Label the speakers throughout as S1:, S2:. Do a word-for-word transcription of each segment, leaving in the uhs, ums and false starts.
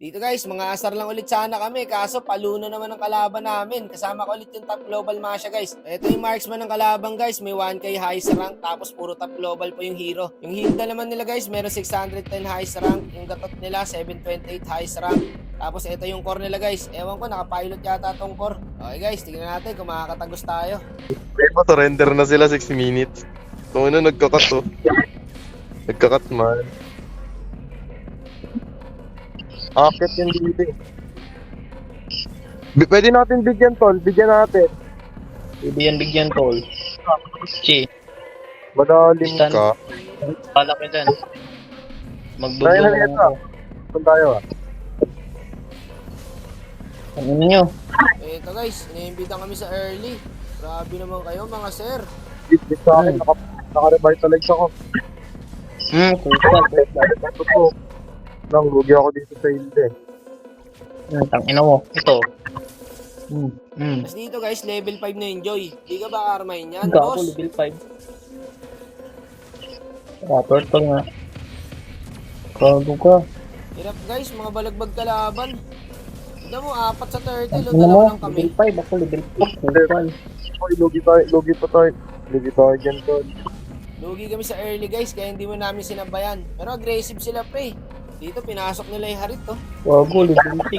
S1: Dito guys, mga asar lang ulit sana kami, kaso paluno naman ang kalaban namin. Kasama ko ulit yung top global Masha guys. Ito yung marksman ng kalaban guys, may one K highest rank, tapos puro top global po yung hero. Yung Hilda naman nila guys, meron six hundred ten highest rank, yung gatot nila seven twenty-eight highest rank. Tapos ito yung core nila guys, ewan ko nakapilot yata tong core. Okay guys, tignan natin kung makakatagos tayo.
S2: May surrender na sila six minutes. So ano, nagkakat to. Nagkakat man. Akit yung dito eh. B- Pwede natin bigyan tol, bigyan natin.
S3: Bigyan bigyan tol. Chi,
S2: Madalim
S3: Stan.
S2: ka.
S3: pala ka dyan.
S2: Tayo
S3: Magdulo
S2: na
S3: mo
S2: ito.
S3: ako.
S2: Saan tayo ah?
S3: Ano nyo?
S1: Ito guys, iniimbitan kami sa early. Grabe naman kayo mga sir.
S2: Bit bit sa akin, naka, naka-revitalize ako.
S3: Hmm, kusal, kusal.
S2: Ito po. Lang, lugi ako dito sa hilde.
S3: Hmm, tangina mo. Ito. Hmm, hmm.
S1: Tapos dito guys, level five na enjoy. Di ka ba karmahin yan,
S3: Hindi ako
S1: boss?
S3: level five. Ah, turtle nga. Kago ka.
S1: Hirap guys, mga balagbag kalaban. Tignan mo, apat sa turtle, o
S3: Ano mo?
S1: dalawa lang kami.
S3: Level five. Ako level four. Kusal.
S2: Oy, lugi tayo, lugi pa tayo. Lugi tayo dyan tol.
S1: Lugi kami sa early guys, kaya hindi mo namin sinabayan. Pero aggressive sila pre. Dito, pinasok nila yung harit to.
S3: Kago, level six.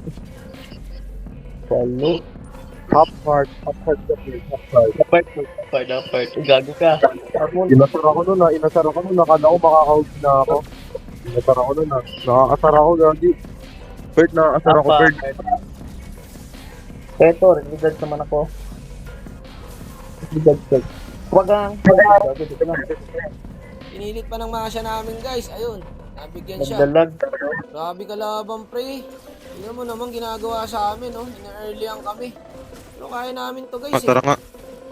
S3: Palo.
S2: Half heart, half heart ka please, half heart.
S3: Apart, apart, apart. Gago ka. Ako,
S2: Inasar ako nun ah, inasar ako nun, nakala ko makakahug na ako. Inasar ako nun ah, nakakasar ako gagi. Bert, nakakasar ako Bert.
S3: Eto, religad naman ako. Religad check. Huwag ang... Gago, dito na.
S1: Pinilit pa ng masya namin guys, ayun. Nabigyan siya.
S3: Nagdalag.
S1: Grabe kalaban pre. Tingnan mo naman ginagawa sa amin, oh. Ina-earlyan kami. Pero kaya namin to guys, eh.
S2: nga.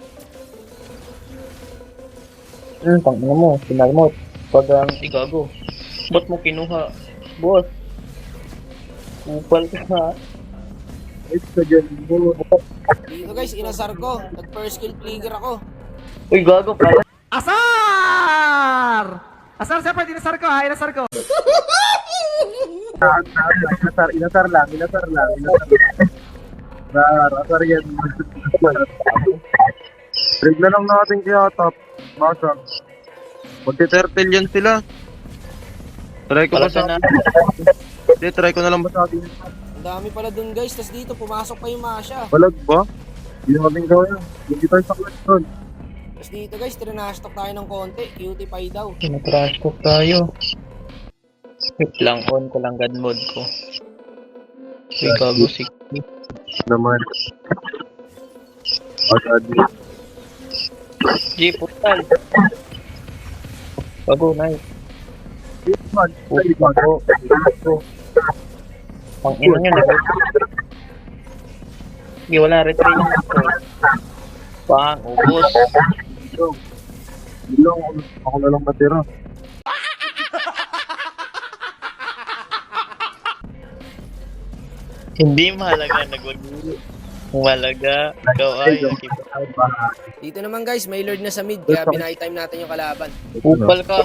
S3: Hmm, tangina mo. Pinalmot. Huwag ang... Igago. Ba't mo kinuha? Boss. Upal ka ha.
S2: It's the game.
S1: Dito guys, inasar ko. Nag first kill trigger ako.
S3: Uy, gago pala.
S4: Asar! Asar siapa dinasar ko ha? Inasar ko.
S2: Inasar, inasar lang, inasar lang, inasar lang. Rar, asar yan. Rig na lang natin kaya top. Basa. Magti-turtle yan sila. Try ko
S3: Pala
S2: ba sa...
S3: na.
S2: Hindi, try ko na lang ba sa atin.
S1: Ang dami pala dun guys. Tapos dito, pumasok pa yung masya.
S2: Balag ba? Hindi natin gawin. Hindi tayo sa clutch doon.
S1: Tapos dito guys, trinastock tayo ng konti. Cutie pie daw.
S3: Kinatrash talk tayo. Wait lang, on ko lang god mode ko. Uy, gago, sixty.
S2: Naman. Agad.
S3: G, putal. Gago, nice.
S2: Man,
S3: Uy, gago. Ang ina nyo, nag- Hindi, wala retrain na ito. Pang, ubos.
S2: Ilong, ako na lang matira.
S3: Hindi mahalaga, nagwag-ulo. Mahalaga, ikaw ay
S1: Dito naman guys, may lord na sa mid. Kaya binay time natin yung kalaban.
S3: upal ka.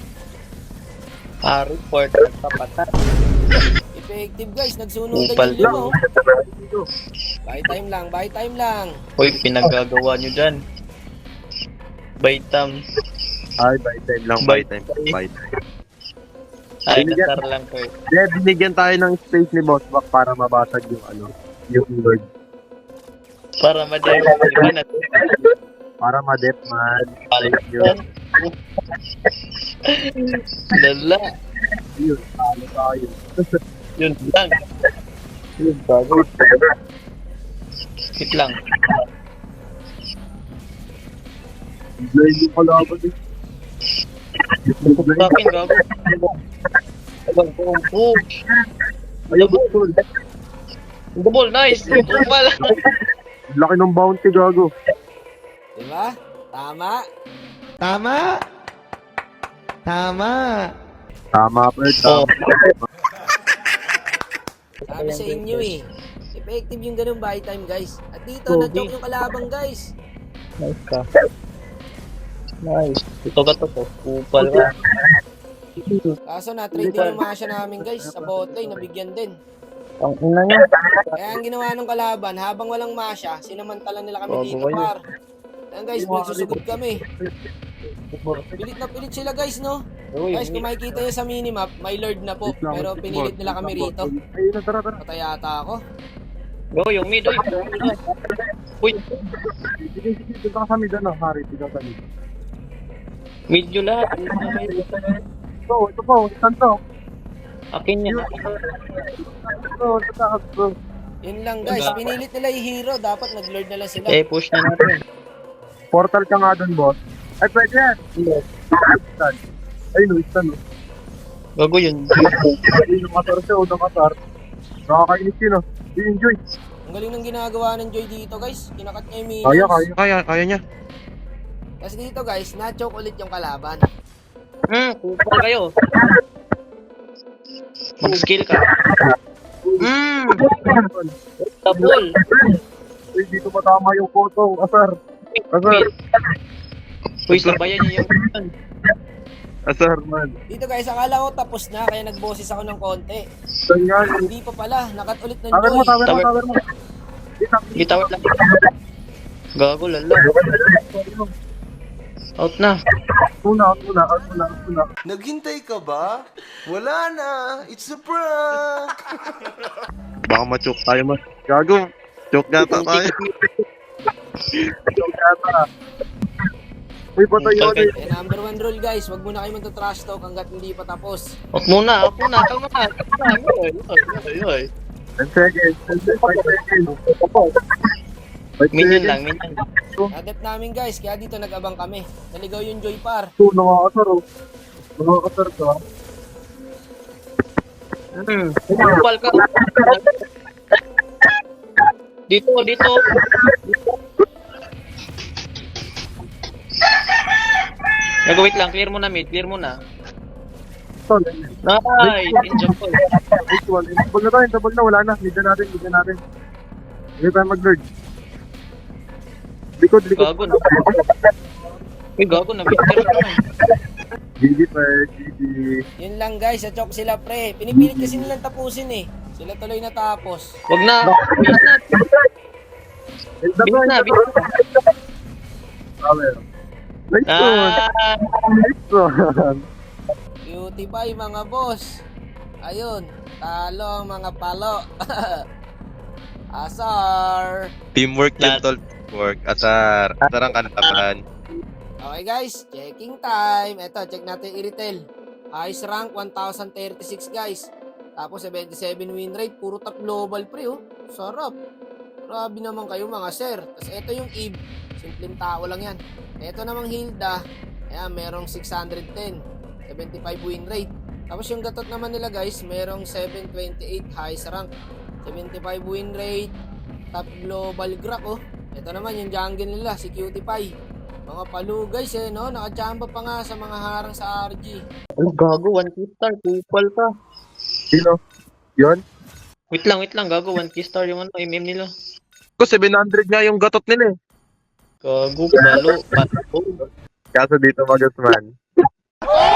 S3: Ah, report at kapatan.
S1: Effective guys, nagsunugan
S3: Upal
S1: yung lima. Oh. Buy time lang, buy time lang.
S3: Uy, pinagagawa nyo dyan. Baitam.
S2: Ay, by time lang, by time. By time.
S3: Ay,
S2: Binigyan-
S3: nasar lang ko eh.
S2: Hindi, binigyan tayo ng space ni Boss Back para mabasag yung ano, yung Lord.
S3: Para madali mo na.
S2: Para ma-dep man. Thank you.
S3: Lala.
S2: Yun, talo tayo.
S3: Yun lang.
S2: Yun, bago.
S3: Wait lang.
S2: Blind yung kalaban eh.
S3: Sa akin, gago. Abang, boom, boom.
S2: Ayaw ba ito?
S3: Double, nice. Upal.
S2: Laki ng bounty, gago.
S1: Diba? Tama.
S4: Tama. Tama.
S2: Tama, Bert.
S3: Oh.
S1: Sabi sa inyo eh. Effective yung ganun buy time guys. At dito,
S3: Pogi.
S1: nag-choke yung kalabang guys.
S3: Nice ka. Nice. Ito ka to po. Upal ka.
S1: Kaso na-trade din yung Masha namin guys sa bot lane, nabigyan din.
S3: Ang ina niya.
S1: Kaya ang ginawa ng kalaban, habang walang Masha, sinamantala nila kami
S3: Bago
S1: dito
S3: kayo.
S1: par. Ayan guys, magsusugod kami. Pilit na pilit sila guys, no?
S3: Oo,
S1: Guys,
S3: yung
S1: kung makikita nyo sa minimap, may lord na po. Pero pinilit nila kami rito.
S2: Ayun na, tara, tara.
S1: Patay yata ako.
S3: Go, yung mid, oy. Uy,
S2: Sige, sige, doon ka sa mid, ano, Harry, ikaw sa mid.
S3: mid yun lahat.
S2: Ito, ito po, isan to.
S3: Akin yan.
S2: Ito, ito, takas, bro.
S1: Yun lang guys, pinilit nila yung hero. Dapat nag-lord na lang sila.
S3: Eh, push na natin.
S2: Portal ka nga doon, boss. Ay, pwede yan. Isan. Ay, no, isan, no.
S3: Gago yun.
S2: Ay, yung kasar siya, o nakasar. Nakakainis yun, no. I-enjoy.
S1: Ang galing ng ginagawa ng Joy dito guys. Kinakat niya yung minions.
S2: Kaya, kaya.
S5: Kaya, kaya niya.
S1: Kasi dito guys, na-choke ulit yung kalaban.
S3: Hmm, kupal kayo. Mag-skill ka. Hmm, double.
S2: Ay, dito matama yung photo, asar. Asar.
S3: Uy, sabayan niyo yung
S2: Asar, man.
S1: Dito guys, akala ko tapos na. Kaya nagboses ako ng konti.
S2: Ganyan.
S1: Hindi pa pala. Nakat ulit ng
S2: Tower mo,
S1: Joy.
S2: tower mo,
S3: Tower.
S2: tower mo. Dito,
S3: Bitawat lang. Gago, lala. Out na.
S2: Una, una, una, una.
S6: Naghintay ka ba? Wala na. It's a prank.
S5: Baka ma-choke tayo mas. Gago. Choke yata tayo.
S2: Ikaw yata. Uy, patay yun eh.
S1: Eh, number one rule guys, wag muna kayo magta-trash talk hanggat hindi pa tapos.
S3: Out muna, out muna. Kalma na. Kalma na. Yoy, yoy, yoy.
S2: ten seconds. five seconds. five
S3: Minion
S2: seconds.
S3: lang, minion.
S1: Adept namin guys, kaya dito nag-abang kami. Naligaw yung Joy par.
S2: Ito, nakakasar oh. Nakakasar ka.
S3: Hmm, kupal ka. Dito, dito. Gago, wait lang. Clear mo na, mid. Clear mo na.
S2: Ito,
S3: Nice! Enjoy ko.
S2: next one. Tabag na tayo, tabag na. Wala na. Mida natin, mida natin. Hindi tayo mag-lord. Likod, likod.
S3: Gago na. Uy, gago na. Victor ka na.
S2: G G pa, G G.
S1: Yun lang guys, sa choke sila pre. Pinipilit kasi nilang tapusin eh. Sila tuloy natapos.
S3: Wag na. Bilis na.
S2: End up
S3: Bilis na,
S2: na,
S3: bilis na.
S2: Tower. Nice one.
S3: Ah!
S2: Nice one.
S1: Cutie pie mga boss. Ayun, talo ang mga palo. Asar.
S5: Teamwork yun, tol. Teamwork. Asar. Asar ang kalaban.
S1: Okay guys, checking time. Eto, check natin yung i-retail. Highest rank, one thousand thirty-six guys. Tapos seventy-seven win rate, puro top global pre oh. Sarap. Grabe naman kayo mga sir. Tapos eto yung Eve, simpleng tao lang yan. Eto namang Hilda, ayan, merong six hundred ten, seventy-five win rate. Tapos yung gatot naman nila guys, merong seven twenty-eight highest rank, seventy-five win rate, top global grab oh. Eto naman yung jungle nila, si Cutie Pie. Mga palu guys eh, no? Nakachamba pa nga sa mga harang sa R G.
S3: Ay, gago. One key star. Kupal ka.
S2: Sino? Yun?
S3: Wait lang, wait lang. Gago. One key star yung ano, M M nila.
S5: Ko, seven hundred nga yung gatot nila eh.
S3: Gago. Balo. Balo.
S2: Kaso dito magas man.